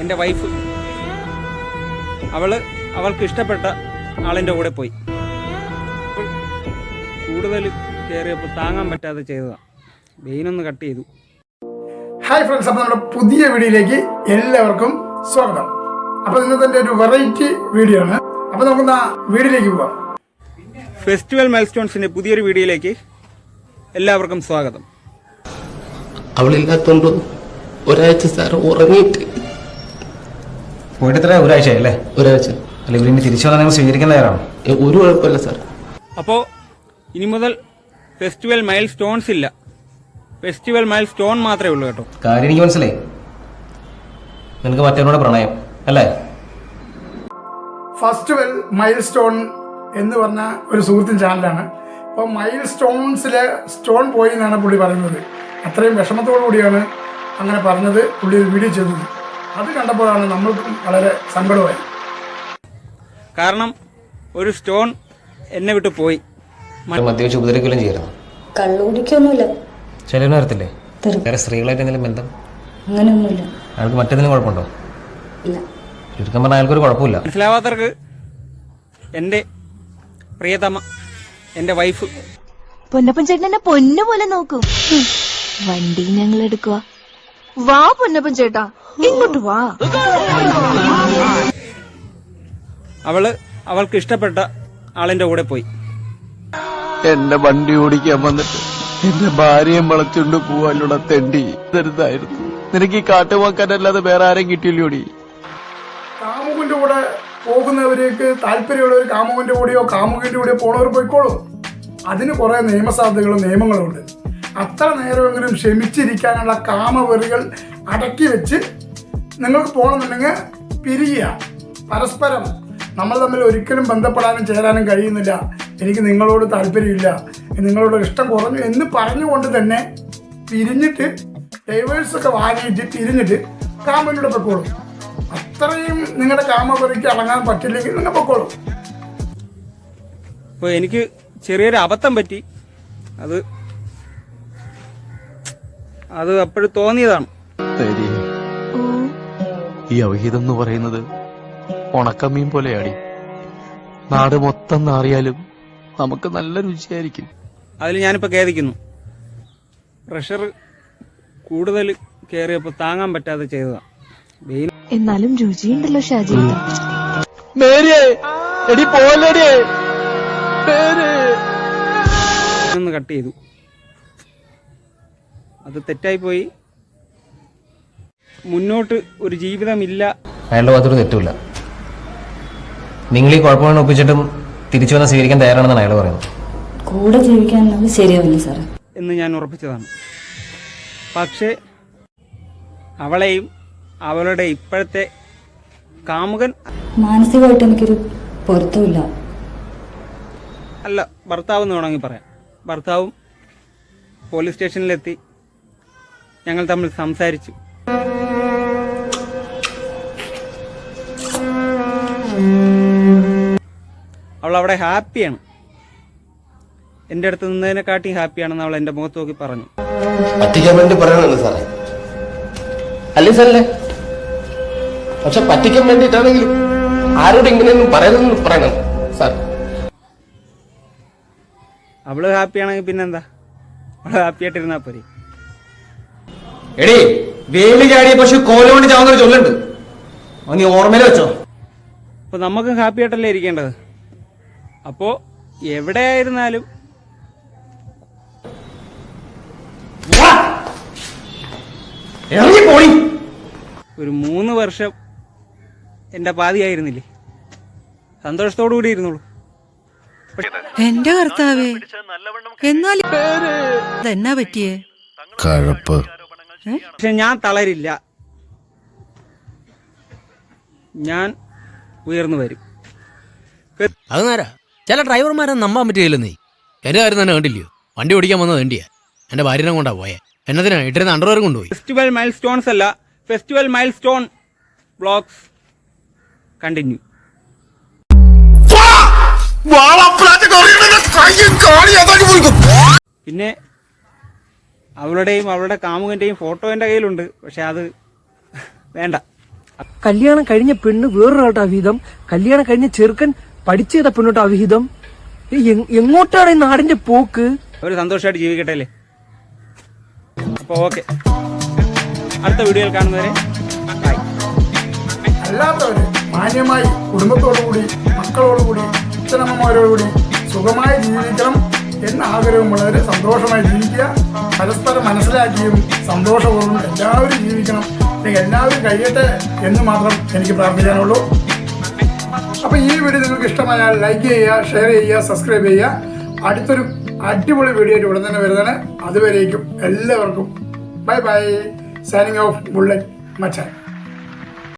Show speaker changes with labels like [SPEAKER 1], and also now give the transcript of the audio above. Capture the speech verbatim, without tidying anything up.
[SPEAKER 1] എൻ്റെ വൈഫ് അവൾ അവൾക്ക് ഇഷ്ടപ്പെട്ട ആളിൻ്റെ കൂടെ പോയി. കൂടുതൽ കയറിയപ്പോൾ താങ്ങാൻ പറ്റാതെ ചെയ്തതാണ്. വെയിനൊന്ന് കട്ട് ചെയ്തു.
[SPEAKER 2] ഹായ് ഫ്രണ്ട്സ്, അപ്പോൾ നമ്മുടെ പുതിയ വീഡിയോയിലേക്ക് എല്ലാവർക്കും സ്വാഗതം. അപ്പോൾ ഇന്നത്തെ ഒരു വെറൈറ്റി വീഡിയോ ആണ്. അപ്പോൾ നമുക്ക് ആ വീഡിയോയിലേക്ക് പോകാം.
[SPEAKER 1] ഫെസ്റ്റിവൽ മൈൽസ്റ്റോൺസിൻ്റെ പുതിയൊരു വീഡിയോയിലേക്ക് എല്ലാവർക്കും സ്വാഗതം.
[SPEAKER 3] അവളില്ലാത്തോണ്ട് ഒരാഴ്ച സാർ ഉറങ്ങിയിട്ട്
[SPEAKER 4] പോയിട്ട് എത്ര ഒരാഴ്ച അല്ലേ?
[SPEAKER 3] ഒരാഴ്ച
[SPEAKER 4] അല്ല, ഇവർ ഇനി തിരിച്ചു വന്നാൽ നിങ്ങൾ സ്വീകരിക്കുന്നവരാണോ?
[SPEAKER 3] ഒരു കുഴപ്പമില്ല സാർ.
[SPEAKER 1] അപ്പോൾ ഇനി മുതൽ ഫെസ്റ്റിവൽ മൈൽ സ്റ്റോൺസ് ഇല്ല, ഫെസ്റ്റിവൽ മൈൽ സ്റ്റോൺ മാത്രമേ ഉള്ളൂ കേട്ടോ.
[SPEAKER 4] കാര്യം എനിക്ക് മനസ്സിലായി. നിനക്ക് മറ്റവരോട് പ്രണയം അല്ലേ?
[SPEAKER 2] ഫെസ്റ്റിവൽ മൈൽ സ്റ്റോൺ എന്ന് പറഞ്ഞ ഒരു സുഹൃത്തിൻ്റെ ചാനലാണ്. അപ്പോൾ മൈൽ സ്റ്റോൺസിലെ സ്റ്റോൺ പോയി എന്നാണ് പുള്ളി പറയുന്നത്. അത്രയും വിഷമത്തോടു കൂടിയാണ് അങ്ങനെ പറഞ്ഞത് പുള്ളി ഒരു വീഡിയോ ചെയ്തത്. അത് കണ്ടപ്പോഴാണ് നമ്മൾക്കും വളരെ സങ്കടമായി.
[SPEAKER 1] കാരണം ഒരു സ്റ്റോൺ എന്നെ വിട്ട് പോയി.
[SPEAKER 4] മദ്യവെച്ച് ഉപദ്രവിക്കുകയും ചെയ്യുന്നു.
[SPEAKER 5] കള്ളുകുടിക്കൊന്നുമില്ല.
[SPEAKER 4] ചിലവിന് വരത്തില്ലേ? വേറെ സ്ത്രീകളായിട്ട് എന്തെങ്കിലും ബന്ധം?
[SPEAKER 5] അങ്ങനെയൊന്നുമില്ല.
[SPEAKER 4] അയാൾക്ക് മറ്റേതിനും കുഴപ്പമുണ്ടോ?
[SPEAKER 5] ഇല്ല.
[SPEAKER 4] ചുരുക്കം പറഞ്ഞാൽ അയാൾക്കൊരു കുഴപ്പമില്ല.
[SPEAKER 1] മനസ്സിലാവാത്തവർക്ക് എൻ്റെ പ്രിയതമ, എൻ്റെ വൈഫ്.
[SPEAKER 6] പൊന്നപ്പൻ ചേട്ടൻ എന്നെ പൊന്നു പോലെ നോക്കും. വണ്ടി ഞങ്ങൾ എടുക്കുക. വാ പൊന്നപ്പൻ ചേട്ടാ, ഇങ്ങോട്ട് വാ.
[SPEAKER 1] അവള് അവൾക്ക് ഇഷ്ടപ്പെട്ട ആളിന്റെ കൂടെ പോയി.
[SPEAKER 7] എന്നെ വണ്ടി ഓടിക്കാൻ വന്നിട്ട് എന്റെ ഭാര്യയെ വളച്ചുകൊണ്ട് പോവാനുള്ള തെണ്ടി തരുതായിരുന്നു. നിനക്ക് ഈ കാട്ടുവാക്കാനല്ലാതെ വേറെ ആരെയും കിട്ടിയില്ലോടി?
[SPEAKER 2] കാമുകന്റെ കൂടെ പോകുന്നവരേക്ക് താല്പര്യമുള്ളവർ കാമുകന്റെ കൂടെയോ കാമുകന്റെ കൂടെയോ പോണവർ പോയിക്കോളൂ. അതിന് കുറേ നിയമസാധ്യതകളും നിയമങ്ങളും ഉണ്ട്. അത്ര നേരമെങ്കിലും ക്ഷമിച്ചിരിക്കാനുള്ള കാമവെറികൾ അടക്കി വെച്ച് നിങ്ങൾക്ക് പോകണമെന്നുണ്ടെങ്കിൽ പിരിയുക. പരസ്പരം നമ്മൾ തമ്മിൽ ഒരിക്കലും ബന്ധപ്പെടാനും ചേരാനും കഴിയുന്നില്ല, എനിക്ക് നിങ്ങളോട് താല്പര്യമില്ല, നിങ്ങളോട് ഇഷ്ടം കുറഞ്ഞു എന്ന് പറഞ്ഞുകൊണ്ട് തന്നെ പിരിഞ്ഞിട്ട് ഡൈവേഴ്സൊക്കെ വാങ്ങിയിട്ട് പിരിഞ്ഞിട്ട് കാമനോട് പൊക്കോളും. അത്രയും നിങ്ങളുടെ കാമവെറിക്ക് അടങ്ങാൻ പറ്റില്ലെങ്കിൽ നിങ്ങൾ പൊക്കോളും.
[SPEAKER 1] അപ്പോൾ എനിക്ക് ചെറിയൊരു അബദ്ധം പറ്റി. അത് അത് അപ്പോഴും തോന്നിയതാണ്.
[SPEAKER 7] ഈ അവഹിതം എന്ന് പറയുന്നത് ഉണക്കമീൻ പോലെയാടി. നാട് മൊത്തം നാറിയാലും നമുക്ക് നല്ല രുചിയായിരിക്കും.
[SPEAKER 1] അതിൽ ഞാനിപ്പോൾ ഖേദിക്കുന്നു. പ്രഷർ കൂടുതൽ കയറിയപ്പോൾ താങ്ങാൻ പറ്റാതെ ചെയ്തതാണ്. വെയിൽ
[SPEAKER 6] എന്നാലും രുചിയുണ്ടല്ലോ ഷാജി.
[SPEAKER 1] ഒന്ന് കട്ട് ചെയ്തു. അത് തെറ്റായിപ്പോയി. മുന്നോട്ട് ഒരു ജീവിതമില്ല.
[SPEAKER 4] അയാളുടെ ഭാഗത്തൊരു തെറ്റുമില്ല. നിങ്ങൾ ഈ കുഴപ്പങ്ങൾ ഒപ്പിച്ചിട്ടും തിരിച്ചു വന്ന് സ്വീകരിക്കാൻ തയ്യാറാണെന്നാണ് അയാൾ പറയുന്നത്.
[SPEAKER 5] കൂടെ ജീവിക്കാൻ ശരിയാവില്ല സാറേ
[SPEAKER 1] എന്ന് ഞാൻ ഉറപ്പിച്ചതാണ്. പക്ഷേ അവളെയും അവളുടെ ഇപ്പോഴത്തെ കാമുകൻ,
[SPEAKER 5] മാനസികമായിട്ട് എനിക്കൊരു പൊരുത്തമില്ല.
[SPEAKER 1] അല്ല, ഭർത്താവ് എന്ന് വേണമെങ്കിൽ പറയാം. ഭർത്താവും പോലീസ് സ്റ്റേഷനിലെത്തി. ഞങ്ങൾ തമ്മിൽ സംസാരിച്ചു. അവൾ അവിടെ ഹാപ്പിയാണ്. എൻ്റെ അടുത്ത് നിന്നതിനെക്കാട്ടി ഹാപ്പിയാണെന്ന് അവൾ എൻ്റെ മുഖത്ത് നോക്കി പറഞ്ഞു.
[SPEAKER 3] പറ്റിക്കാൻ വേണ്ടി പറയണല്ലോ സാറേ, അല്ലേ സാറല്ലേ? പക്ഷെ പറ്റിക്കാൻ വേണ്ടിയിട്ടാണെങ്കിലും ആരോട് ഇങ്ങനെയൊന്നും പറയുന്നതെന്ന് പറയണം സാർ.
[SPEAKER 1] അവള് ഹാപ്പിയാണെങ്കിൽ പിന്നെന്താ, അവള് ഹാപ്പി ആയിട്ടിരുന്നാ പോരെ.
[SPEAKER 4] എടീ, വേലി ചാടിയ പശു കോലുകൊണ്ട് ചാവുന്നൊരു ചൊല്ലുണ്ട്, നീ ഓർമ്മയിൽ വെച്ചോ.
[SPEAKER 1] അപ്പൊ നമുക്കും ഹാപ്പി ആയിട്ടല്ലേ ഇരിക്കേണ്ടത്. അപ്പോ എവിടെയായിരുന്നാലും ഒരു മൂന്ന് വർഷം എന്റെ പാതിയായിരുന്നില്ലേ, സന്തോഷത്തോടു കൂടി ഇരുന്നുള്ളൂ.
[SPEAKER 8] എന്റെ കർത്താവേ, എന്നാൽ എന്നാ പറ്റിയേ?
[SPEAKER 9] കഴപ്പ്.
[SPEAKER 1] പക്ഷെ ഞാൻ തളരില്ല, ഞാൻ ഉയർന്നു വരും.
[SPEAKER 10] അത് നേരാ. ചില ഡ്രൈവർമാരെ നമ്പാൻ പറ്റുകയില്ലെന്നേ. എന്റെ കാര്യം തന്നെ കണ്ടില്ലയോ? വണ്ടി ഓടിക്കാൻ വന്നത് വേണ്ടിയാ. എന്റെ ഭാര്യനെ കൊണ്ടാ പോയെ. എന്നതിനാ ഇട്ടിരുന്ന അണ്ടർവെയർ കൊണ്ടുപോയി.
[SPEAKER 1] ഫെസ്റ്റിവൽ മൈൽ സ്റ്റോൺസ് അല്ല, festival milestone vlogs continue. പിന്നെ അവളുടെയും അവളുടെ കാമുകന്റെയും ഫോട്ടോ എൻ്റെ കയ്യിലുണ്ട്. പക്ഷെ അത് വേണ്ട,
[SPEAKER 9] കല്യാണം കഴിഞ്ഞ പെണ്ണ് വേറൊരാളുടെ അവിഹിതം, കല്യാണം കഴിഞ്ഞ ചെറുക്കൻ പഠിച്ചു ചെയ്ത പെണ്ണോട്ട് അവിഹിതം. എ- എങ്ങോട്ടാണ് ഈ നാടിന്റെ പോക്ക്?
[SPEAKER 1] അവർ സന്തോഷമായിട്ട് ജീവിക്കട്ടെ അല്ലേ? അപ്പോൾ ഓക്കെ, അടുത്ത വീഡിയോയിൽ കാണുന്നവരെ ബൈ.
[SPEAKER 2] അല്ലാത്തവര് മാന്യമായി കുടുംബത്തോടുകൂടി മക്കളോടുകൂടി അച്ഛനമ്മമാരോടുകൂടി സുഖമായി ജീവിക്കണം എന്ന ആഗ്രഹമുള്ളവർ സന്തോഷമായി ജീവിക്കുക. പരസ്പരം മനസ്സിലാക്കിയും സന്തോഷപൂർവ്വം എല്ലാവരും ജീവിക്കണം, അല്ലെങ്കിൽ എല്ലാവരും കഴിയട്ടെ എന്ന് മാത്രം എനിക്ക് പ്രാർത്ഥിക്കാനുള്ളൂ. അപ്പോൾ ഈ വീഡിയോ നിങ്ങൾക്ക് ഇഷ്ടമായാൽ ലൈക്ക് ചെയ്യുക, ഷെയർ ചെയ്യുക, സബ്സ്ക്രൈബ് ചെയ്യുക. അടുത്തൊരു അടിപൊളി വീഡിയോ ആയിട്ട് ഉടൻ തന്നെ വരുന്നതാണ്. അതുവരേക്കും എല്ലാവർക്കും bye bye. Signing off bullet മച്ചാൻ.